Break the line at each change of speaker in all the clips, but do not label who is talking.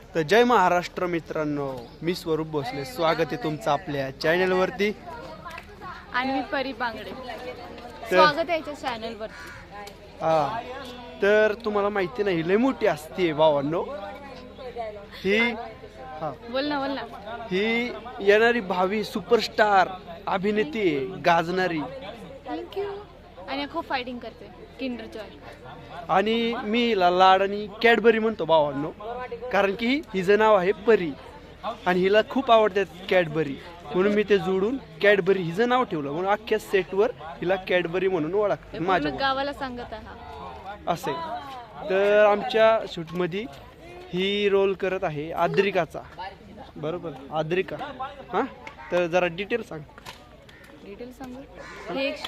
तर जय महाराष्ट्र मित्रांनो, मी स्वरूप भोसले, स्वागत आहे तुमचं आपल्या चॅनलवरती.
आणि मी परी बांगडे, स्वागत आहे याच्या चॅनलवरती.
हा, तर तुम्हाला माहिती नाही, लय मोठी असते भावांनो ही. हा,
बोल ना.
ही येणारी भावी सुपरस्टार अभिनेती आहे, गाजणारी.
थँक्यू. आणि खूप फायटिंग करते किंडर जॉय.
आणि मी हिला लाड आणि कॅडबरी म्हणतो भावांनो, कारण की हिचं नाव आहे परी आणि हिला खूप आवडतात कॅडबरी, म्हणून मी ते जोडून कॅडबरी हिचं नाव ठेवलं. म्हणून अख्ख्या सेटवर हिला कॅडबरी म्हणून ओळखतात माझ्या
गावाला सांगत आहात
असे. तर आमच्या शूटमध्ये ही रोल करत आहे आद्रिकाचा, बरोबर? आद्रिका. हां, तर जरा डिटेल सांग.
डिटेल सांगू. हे एक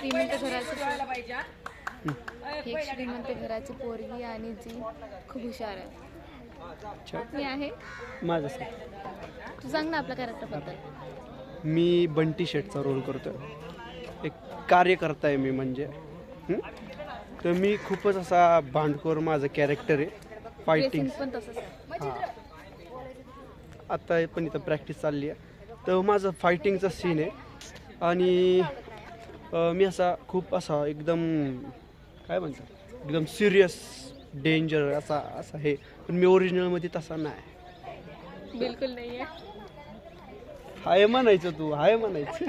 श्रीमंत घराची पोरगी आणि जी खूप हुशार आहे. मी आहे
माझं
तू सांग ना आपल्या कॅरेक्टरबद्दल.
मी बंटी शेटचा रोल करतोय, एक कार्यकर्ता आहे मी म्हणजे. तर मी खूपच असा भांडखोर माझं कॅरेक्टर आहे. फायटिंग
पण तसंच आहे.
हां, आता पण इथं प्रॅक्टिस चालली आहे. तर माझं फायटिंगचा सीन आहे आणि मी असा खूप असा एकदम काय म्हणतात, एकदम सिरियस डेंजर असा असा आहे. पण मी ओरिजिनलमध्ये तसा नाही.
बिलकुल नाही आहे.
हाय म्हणायचं, तू हाय म्हणायचं.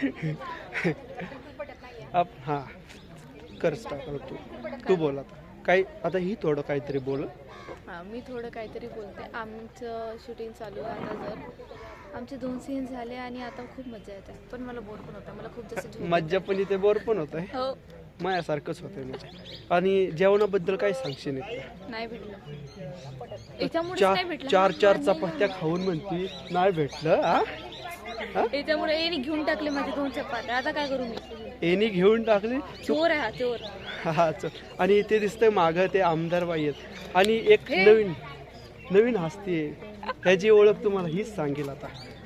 हां, कर स्टार्ट. तू बोल आता काय. आता ही थोडं काहीतरी बोल.
हां, मी थोडं काहीतरी बोलते. आमचं शूटिंग चालू आहे आता. जर आमचे 2 सीन झाले आणि आता खूप मजा येते, पण मला बोर पण होतं. मला खूप जास्त
मज्जा पण इथे बोर पण होत आहे.
हो,
माझ्यासारखंच होतंय म्हणजे. आणि जेवणाबद्दल काय सांगशील?
नाही भेटलं याच्यामुळे. नाही भेटलं.
चार चपात्या खाऊन म्हणती नाही भेटलं. हा,
याच्यामुळे एनी घेऊन टाकले माझे 2 चपात्या. आता काय करू मी?
एनी घेऊन टाकली.
चोर आहे हा, चोर.
हा, आणि ते दिसतंय मागं ते आमदार बाई आहेत. आणि एक नवीन हस्ती आहे, त्याची ओळख तुम्हाला हीच सांगेल आता.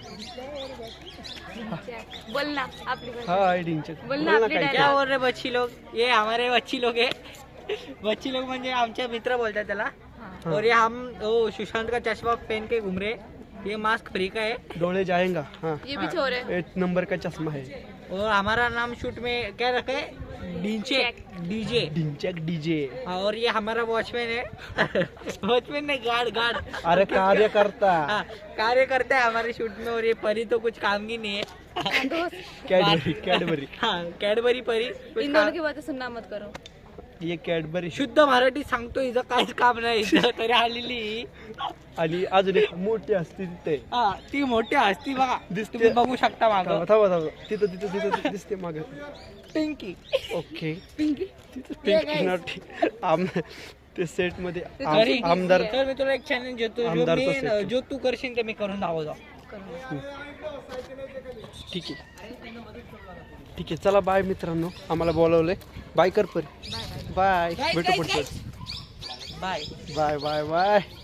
बोल ना आपली.
हा, आयडिंगचे
बोल ना आपली.
क्या बोल रहे बच्ची लोग? ये हमारे बच्ची लोग है. बच्ची लोग म्हणजे आमचे मित्र बोलतात त्याला. और ये हम सुशांत का चश्मा पहन के घूम रहे. ये मास्क फ्री का है.
डोळे जाएगा. हाँ,
ये भी चोर है.
8 नंबर का चश्मा है.
और हमारा नाम शूट में क्या रखा है? डीजे.
डिंचक डीजे.
और ये हमारा वॉचमैन है. वॉचमैन नहीं, गार्ड.
अरे कार्यकर्ता.
हाँ, कार्य करता है हमारे शूट में. और ये परी तो कुछ काम की नहीं है.
कॅडबरी.
हाँ, कैडबरी परी.
इन दोनों की बातें सुनना मत करो.
ये कॅडबरी
शुद्ध मराठी सांगतो, हिचं काहीच काम नाही इथं तरी आलेली.
आणि अजून एक मोठी असते तिथे.
हा, ती मोठी असती बघा,
दिसते.
तुम्ही बघू शकता मागं.
थांबा. तिथं दिसते माग.
पिंकी.
ओके,
पिंकी.
तिथं पिंकी नॉटी. ते सेट मध्ये
तरी
आमदार.
तर मी तुला एक चॅलेंज देतो,
आमदारचं set.
जो तू करशील ते मी करून दाखवतो.
ठीक आहे, चला बाय मित्रांनो, आम्हाला बोलवलंय. बाय कर परी. बाय, भेटू पुढचं.
बाय.
बाय.